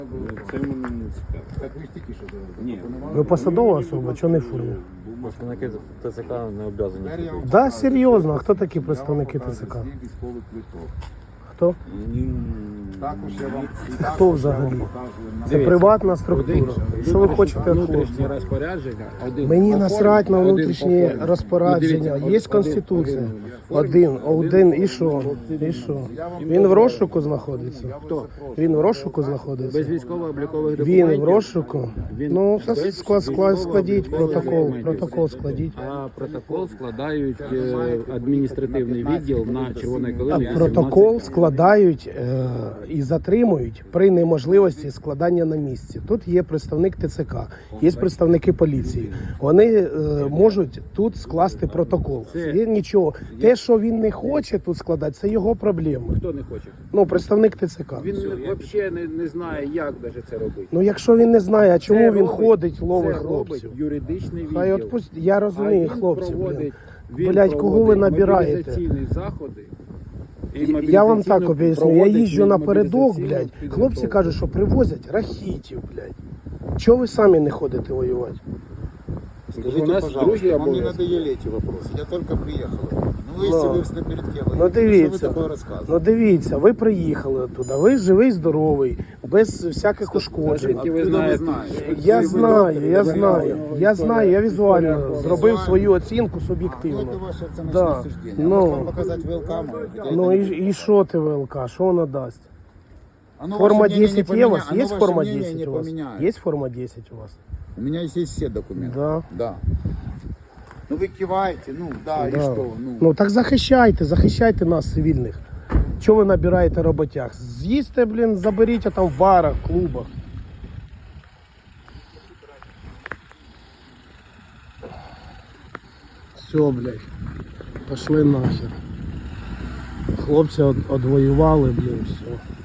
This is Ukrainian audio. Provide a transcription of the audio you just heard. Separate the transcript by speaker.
Speaker 1: Це мене не цікаво.
Speaker 2: Так ви ж тільки що зараз.
Speaker 1: Ні.
Speaker 3: Ви посадова особа, чого не в формі?
Speaker 4: Представники ТЦК не обов'язані.
Speaker 3: Да, серйозно, а хто такі представники ТЦК?
Speaker 2: Військовий квиток.
Speaker 3: Хто?
Speaker 2: Також я вам
Speaker 3: Хто взагалі? Це приватна структура. Що ви хочете від хлопців?
Speaker 2: розпорядження.
Speaker 3: Мені насрать на внутрішні розпорядження. Є Конституція. Один. І що? І що? Він в розшуку знаходиться.
Speaker 2: Хто?
Speaker 3: Він в розшуку знаходиться.
Speaker 2: Без військово-облікових документів.
Speaker 3: Він в розшуку. Ну, все складіть протокол складіть.
Speaker 5: А протокол складають адміністративний відділ на Червоної Калини.
Speaker 3: Протокол складають і затримують при неможливості складання на місці. Тут є представник ТЦК, є представники поліції. Вони можуть тут скласти протокол. Є нічого. Те, що він не хоче тут складати, це його проблеми.
Speaker 5: Хто не хоче?
Speaker 3: Ну, представник ТЦК.
Speaker 5: Він взагалі не знає, як навіть це робити.
Speaker 3: Ну, якщо він не знає, а чому
Speaker 5: Це
Speaker 3: він
Speaker 5: робить-
Speaker 3: ходить, ловить
Speaker 5: це робить
Speaker 3: хлопців?
Speaker 5: юридичний відділ.
Speaker 3: Хай відпусть. Я розумію,
Speaker 5: А він
Speaker 3: хлопці,
Speaker 5: проводить-
Speaker 3: блін.
Speaker 5: він
Speaker 3: Блядь, кого ви
Speaker 5: проводить
Speaker 3: набираєте?
Speaker 5: мобілізаційні заходи.
Speaker 3: Я вам так об'ясню, я
Speaker 5: проводить
Speaker 3: їжджу напередок,
Speaker 5: мобілізаційну
Speaker 3: блядь.
Speaker 5: підготовку.
Speaker 3: Хлопці кажуть, що привозять рахітів, блядь. Чого ви самі не ходите воювати?
Speaker 2: Скажите,
Speaker 5: У нас
Speaker 2: пожалуйста,
Speaker 5: другие
Speaker 2: вам не
Speaker 5: обовязки.
Speaker 2: надоели эти вопросы. Я только приехал. Ну, если вы в перед кем?
Speaker 3: Ну
Speaker 2: Что вы
Speaker 3: дивіться,
Speaker 2: такое рассказываете?
Speaker 3: ну дивіться, ви приїхали туди, ви живий, здоровий, без всяких ушкоджень.
Speaker 5: Звідки ви знаєте?
Speaker 3: Я знаю, я візуально зробив свою оцінку
Speaker 2: Вот
Speaker 3: суб'єктивно.
Speaker 2: это ваше оценочное
Speaker 3: Да.
Speaker 2: суждение.
Speaker 3: Ну.
Speaker 2: Может вам показать ВЛК?
Speaker 3: Ну і що ти, ВЛК, що вона дасть?
Speaker 2: Оно
Speaker 3: Форма
Speaker 2: ваше мнение
Speaker 3: 10
Speaker 2: не
Speaker 3: є у
Speaker 2: поменя-
Speaker 3: вас?
Speaker 2: оно
Speaker 3: Є
Speaker 2: ваше
Speaker 3: форма
Speaker 2: мнение
Speaker 3: 10
Speaker 2: не
Speaker 3: у вас?
Speaker 2: поменяет.
Speaker 3: Є форма 10 у вас?
Speaker 2: У меня есть все документы.
Speaker 3: Да.
Speaker 2: Да. Ну вы киваете, ну да, и
Speaker 3: Да.
Speaker 2: что?
Speaker 3: Ну так захищайте нас, цивільних. Чого ви набираєте роботяг? З'їсти, блін, заберіть там в барах, клубах. Все, блядь, пошли нахер. Хлопці одвоювали, блін, все.